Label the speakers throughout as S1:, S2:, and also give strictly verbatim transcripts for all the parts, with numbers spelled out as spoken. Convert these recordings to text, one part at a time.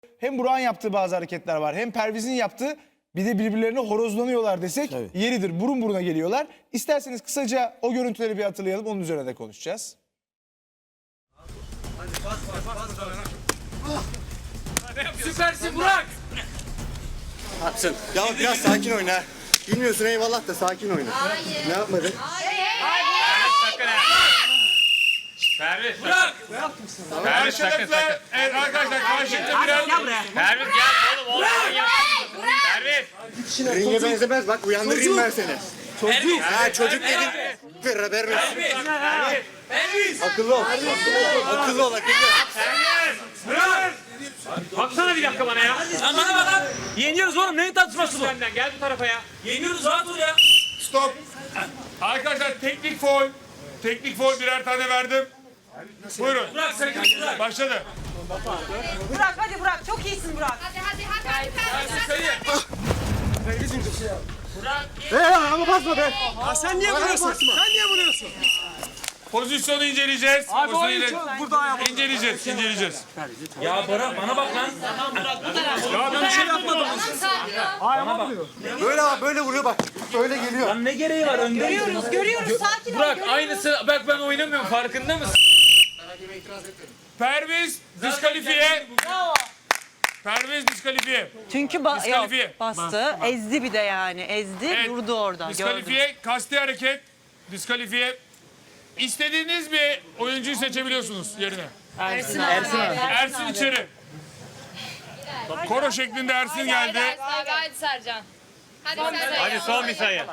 S1: Hem Burak'ın yaptığı bazı hareketler var, hem Perviz'in yaptığı, bir de birbirlerine horozlanıyorlar desek
S2: Tabii.
S1: yeridir. Burun buruna geliyorlar. İsterseniz kısaca o görüntüleri bir hatırlayalım, onun üzerine de konuşacağız.
S3: Süpersin Burak.
S2: Haksın. Ya biraz sakin oyna. Bilmiyorsun eyvallah da sakin oyna.
S4: Hayır.
S2: Ne yapmadın?
S3: Sakın ha. Perviz. Burak. Perviz sakın sakın.
S5: Evet arkadaşlar karşılıklı birer...
S3: Perviz gel oğlum oğlum. Gel. Perviz.
S2: Ringe benzemez bak uyandırayım ben seni. Çocuk. Ha çocuk dedin. Bir haberin olsun.
S3: Perviz.
S2: Akıllı ol. Akıllı ol akıllı.
S3: Burak. Baksana bir dakika bana ya.
S6: Sen bana bak lan. Yeniyoruz oğlum. Neyin tartışması bu?
S3: Senden gel bu tarafa ya.
S6: Yeniyoruz rahat ol ya.
S5: Stop. Arkadaşlar teknik foul. Teknik foul birer tane verdim. Buyurun.
S6: Bırak sakın bırak.
S5: Başladı.
S7: Burak hadi Burak çok iyisin Burak.
S4: Hadi hadi hadi hadi.
S6: Sayı.
S2: Ee ama basma be.
S6: Sen niye vuruyorsun? Sen niye vuruyorsun?
S5: Pozisyonu inceleyeceğiz.
S6: Abi o
S5: Pozisyonu
S6: için burada ayağım.
S5: inceleyeceğiz, inceleyeceğiz.
S6: Ya Bora bana bak lan.
S5: Ya ben bir şey yapmadım.
S2: Böyle böyle vuruyor bak. Böyle geliyor.
S6: Lan ne gereği var önde?
S7: Görüyoruz görüyoruz sakin ol.
S3: Burak
S7: görüyoruz.
S3: aynısı bak ben oynamıyorum farkında mısın?
S5: Perviz diskalifiye. Perviz diskalifiye.
S7: Çünkü ba
S5: Diskalifiye.
S7: yok, bastı ezdi bir de yani ezdi
S5: Evet,
S7: durdu orada gördüm.
S5: Diskalifiye, kasti hareket. Diskalifiye. İstediğiniz bir oyuncuyu seçebiliyorsunuz yerine.
S7: Ersin abi.
S5: Ersin içeri. Koro şeklinde Ersin geldi.
S4: Hadi hadi Sercan. Hadi Sercan.
S3: Hadi son bir sayı.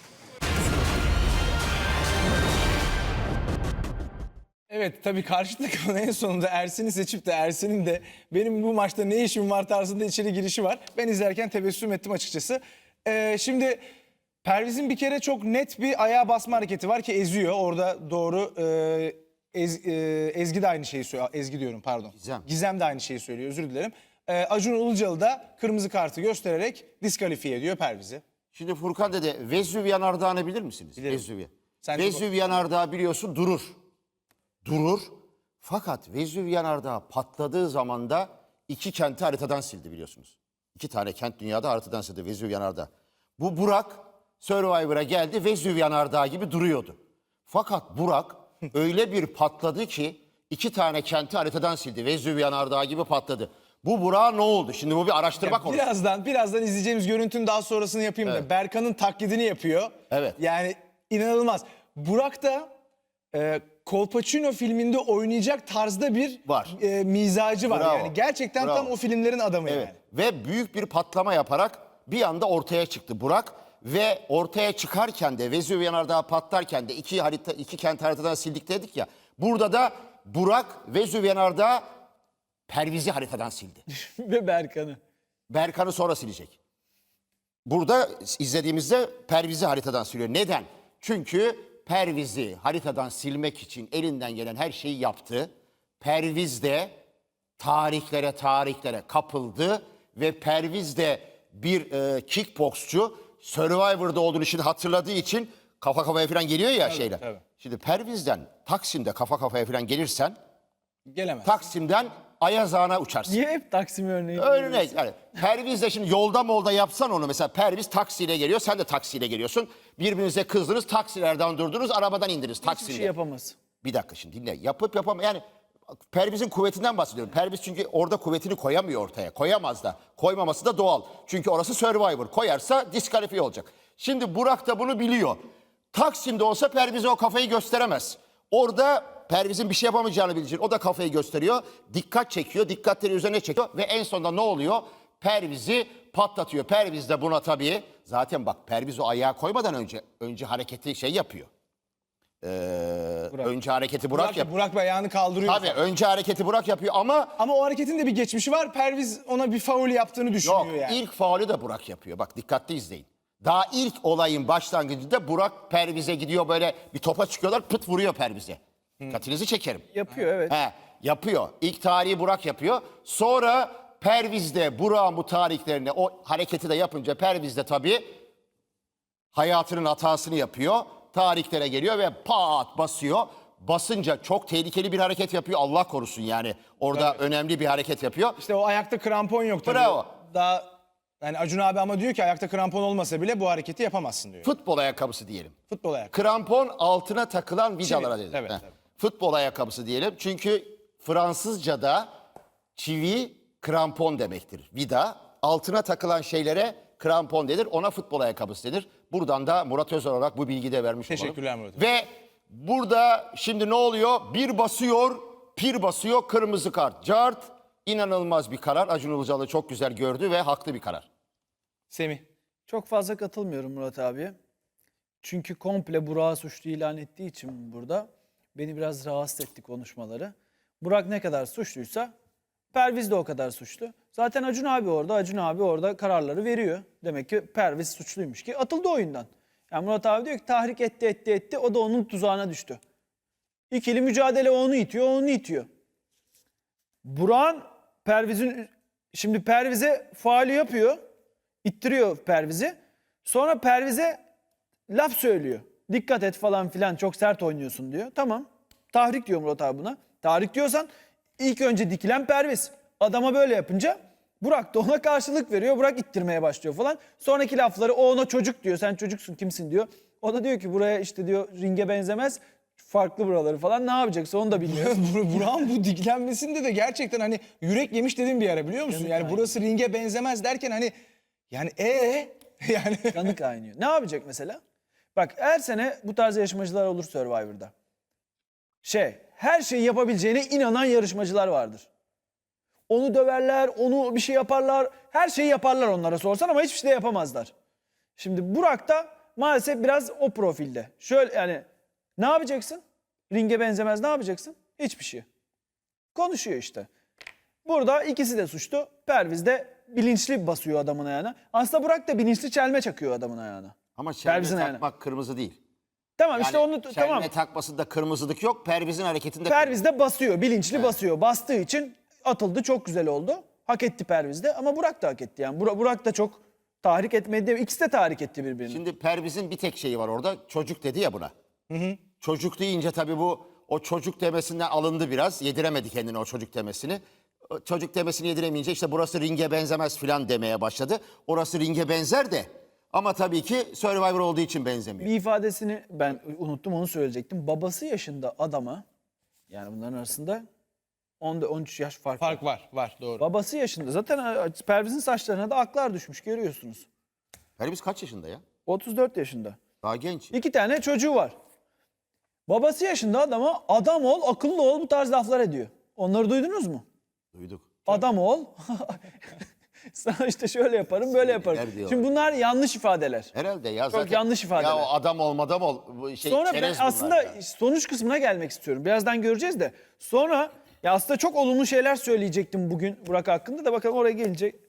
S1: Evet, tabii karşı takımın en sonunda Ersin'i seçip de Ersin'in de benim bu maçta ne işim var tarzında içeri girişi var. Ben izlerken tebessüm ettim açıkçası. Ee, şimdi Perviz'in bir kere çok net bir ayağa basma hareketi var ki eziyor. Orada doğru e, Ez, e, Ezgi de aynı şeyi söylüyor. Ezgi diyorum pardon.
S2: Gizem.
S1: Gizem de aynı şeyi söylüyor, özür dilerim. Ee, Acun Ilıcalı da kırmızı kartı göstererek diskalifiye ediyor Perviz'i.
S2: Şimdi Furkan dede Vezüv yanardağını bilir misiniz?
S1: Bilirim.
S2: Vezüv.
S1: Sen
S2: Vezüv yanardağı biliyorsun durur. Durur. Fakat Vezüv yanardağı patladığı zaman da iki kenti haritadan sildi biliyorsunuz. İki tane kent dünyada haritadan sildi Vezüv yanardağı. Bu Burak Survivor'a geldi Vezüv yanardağı gibi duruyordu. Fakat Burak öyle bir patladı ki iki tane kenti haritadan sildi. Vezüv yanardağı gibi patladı. Bu Burak'a ne oldu? Şimdi bu bir araştırma konusu.
S1: Birazdan birazdan izleyeceğimiz görüntünün daha sonrasını yapayım da Berkan'ın taklidini yapıyor.
S2: Evet.
S1: Yani inanılmaz. Burak da e, Kolpaçino filminde oynayacak tarzda bir
S2: Var.
S1: e, mizacı var.
S2: Bravo.
S1: Yani gerçekten
S2: Bravo.
S1: tam o filmlerin adamı
S2: Evet.
S1: yani.
S2: Ve büyük bir patlama yaparak bir anda ortaya çıktı Burak. Ve ortaya çıkarken de Vezüv yanardağı patlarken de iki harita iki kent haritadan sildik dedik ya. Burada da Burak Vezüv yanardağı Perviz'i haritadan sildi.
S1: Ve Berkan'ı.
S2: Berkan'ı sonra silecek. Burada izlediğimizde Perviz'i haritadan siliyor. Neden? Çünkü Perviz'i haritadan silmek için elinden gelen her şeyi yaptı. Perviz de tarihlere tarihlere kapıldı ve Perviz de bir e, kickboksçu. Survivor'da olduğunu şimdi hatırladığı için kafa kafaya falan geliyor ya şeyler.
S1: tabii.
S2: Şimdi Perviz'den Taksim'de kafa kafaya falan gelirsen
S1: Gelemez.
S2: Taksim'den Ayaz Ağa'na uçarsın.
S1: Niye hep Taksim örneği?
S2: Örnek yani Perviz de şimdi yolda molda yapsan onu mesela Perviz taksiyle geliyor sen de taksiyle geliyorsun. Birbirinize kızdınız taksilerden durdunuz arabadan indiniz taksiyle.
S1: Hiçbir şey yapamaz.
S2: Bir dakika şimdi dinle yapıp yapamam yani Perviz'in kuvvetinden bahsediyorum. Perviz çünkü orada kuvvetini koyamıyor ortaya koyamaz da koymaması da doğal. Çünkü orası Survivor koyarsa diskalifiye olacak. Şimdi Burak da bunu biliyor. Taksim'de olsa Perviz'e o kafayı gösteremez. Orada Perviz'in bir şey yapamayacağını bilecek. O da kafayı gösteriyor. Dikkat çekiyor. Dikkatleri üzerine çekiyor. Ve en sonunda ne oluyor? Perviz'i patlatıyor. Perviz de buna tabii. Zaten bak Perviz o ayağa koymadan önce önce hareketi şey yapıyor. Ee, önce hareketi Burak,
S1: Burak,
S2: yapıyor.
S1: Burak ayağını kaldırıyor.
S2: Tabii önce hareketi Burak yapıyor ama
S1: Ama o hareketin de bir geçmişi var. Perviz ona bir faul yaptığını düşünüyor
S2: yok
S1: yani.
S2: ilk faulü de Burak yapıyor. Bak dikkatli izleyin. Daha ilk olayın başlangıcında Burak Perviz'e gidiyor böyle bir topa çıkıyorlar pıt vuruyor Perviz'e. Dikkatinizi çekerim.
S1: Yapıyor evet.
S2: He, yapıyor. İlk tarihi Burak yapıyor. Sonra Perviz de Burak'ın bu tarihlerini o hareketi de yapınca Perviz de tabii hayatının hatasını yapıyor. Tarihlere geliyor ve pat basıyor. basınca çok tehlikeli bir hareket yapıyor. Allah korusun yani. Orada önemli bir hareket yapıyor.
S1: İşte o ayakta krampon yok tabii.
S2: Bravo.
S1: Daha yani Acun abi ama diyor ki ayakta krampon olmasa bile bu hareketi yapamazsın diyor.
S2: Futbol ayakkabısı diyelim.
S1: Futbol ayakkabı.
S2: Krampon altına takılan vidalara
S1: Çivi,
S2: denir.
S1: evet,
S2: Heh.
S1: evet.
S2: Futbol ayakkabısı diyelim. Çünkü Fransızca'da çivi krampon demektir. Vida altına takılan şeylere krampon denir. Ona futbol ayakkabısı denir. Buradan da Murat Özer olarak bu bilgiyi de vermiş olalım.
S1: Teşekkürler Murat.
S2: Ve burada şimdi ne oluyor? Bir basıyor, pir basıyor, kırmızı kart. Cart, inanılmaz bir karar. Acun Ilıcalı çok güzel gördü ve haklı bir karar.
S1: Semih.
S8: Çok fazla katılmıyorum Murat abiye. Çünkü komple Burak'ı suçlu ilan ettiği için burada beni biraz rahatsız etti konuşmaları. Burak ne kadar suçluysa Perviz de o kadar suçlu. Zaten Acun abi orada, Acun abi orada kararları veriyor. Demek ki Perviz suçluymuş ki atıldı oyundan. Yani Murat abi diyor ki tahrik etti etti etti o da onun tuzağına düştü. İkili mücadele o onu itiyor, o onu itiyor. Burak'ın Perviz'in şimdi Perviz'e faali yapıyor. İttiriyor Perviz'i. Sonra Perviz'e laf söylüyor. Dikkat et falan filan çok sert oynuyorsun diyor. Tamam. Tahrik diyor Murat abi buna. Tahrik diyorsan ilk önce dikilen Perviz. Adama böyle yapınca Burak da ona karşılık veriyor. Burak ittirmeye başlıyor falan. Sonraki lafları o ona çocuk diyor. Sen çocuksun kimsin diyor. O da diyor ki buraya işte diyor ringe benzemez. Farklı buraları falan ne yapacaksa onu da bilmiyor.
S1: Burak'ın bu diklenmesinde de gerçekten hani yürek yemiş dedim bir ara biliyor musun? Yani burası ringe benzemez derken hani yani e yani
S8: Kanı kaynıyor. Ne yapacak mesela? Bak her sene bu tarz yarışmacılar olur Survivor'da. Şey, her şeyi yapabileceğine inanan yarışmacılar vardır. Onu döverler, onu bir şey yaparlar. Her şeyi yaparlar onlara sorsan ama hiçbir şey de yapamazlar. Şimdi Burak da maalesef biraz o profilde. Şöyle yani ne yapacaksın? Ringe benzemez ne yapacaksın? Hiçbir şey. Konuşuyor işte. Burada ikisi de suçlu. Perviz de bilinçli basıyor adamın ayağına. Aslında Burak da bilinçli çelme çakıyor adamın ayağına.
S2: Ama çelme
S8: Perviz'in ayağına.
S2: takmak kırmızı değil.
S8: Tamam
S2: Yani
S8: işte onu
S2: çelme
S8: tamam.
S2: takmasında kırmızılık yok. Perviz'in hareketinde
S8: Perviz de basıyor, bilinçli basıyor. Bastığı için atıldı, çok güzel oldu. Hak etti Perviz de ama Burak da hak etti. Yani Burak, Burak da çok tahrik etmedi. İkisi de tahrik etti birbirini.
S2: Şimdi Perviz'in bir tek şeyi var orada. Çocuk dedi ya buna. Çocuk deyince tabii bu o çocuk demesinden alındı biraz. Yediremedi kendine o çocuk demesini. O çocuk demesini yediremeyince işte burası ringe benzemez filan demeye başladı. Orası ringe benzer de ama tabii ki Survivor olduğu için benzemiyor.
S8: Bir ifadesini ben unuttum onu söyleyecektim. Babası yaşında adama yani bunların arasında on on üç yaş fark, var.
S1: fark var var doğru.
S8: Babası yaşında. Zaten Perviz'in saçlarına da aklar düşmüş görüyorsunuz.
S2: Perviz kaç yaşında ya?
S8: otuz dört yaşında.
S2: Daha genç.
S8: İki tane çocuğu var. Babası yaşında adama adam ol, akıllı ol bu tarz laflar ediyor. Onları duydunuz mu?
S2: Duyduk.
S8: Adam ol. Sana işte şöyle yaparım, böyle yaparım.
S2: Sinirler diyorlar.
S8: Şimdi bunlar yanlış ifadeler.
S2: Herhalde ya
S8: Çok
S2: zaten.
S8: yanlış ifadeler.
S2: Ya o adam ol madam ol. Bu şey,
S8: Sonra ben
S2: çerez bunlar
S8: aslında
S2: ya.
S8: sonuç kısmına gelmek istiyorum. Birazdan göreceğiz de. Sonra ya aslında çok olumlu şeyler söyleyecektim bugün Burak hakkında da bakalım oraya gelince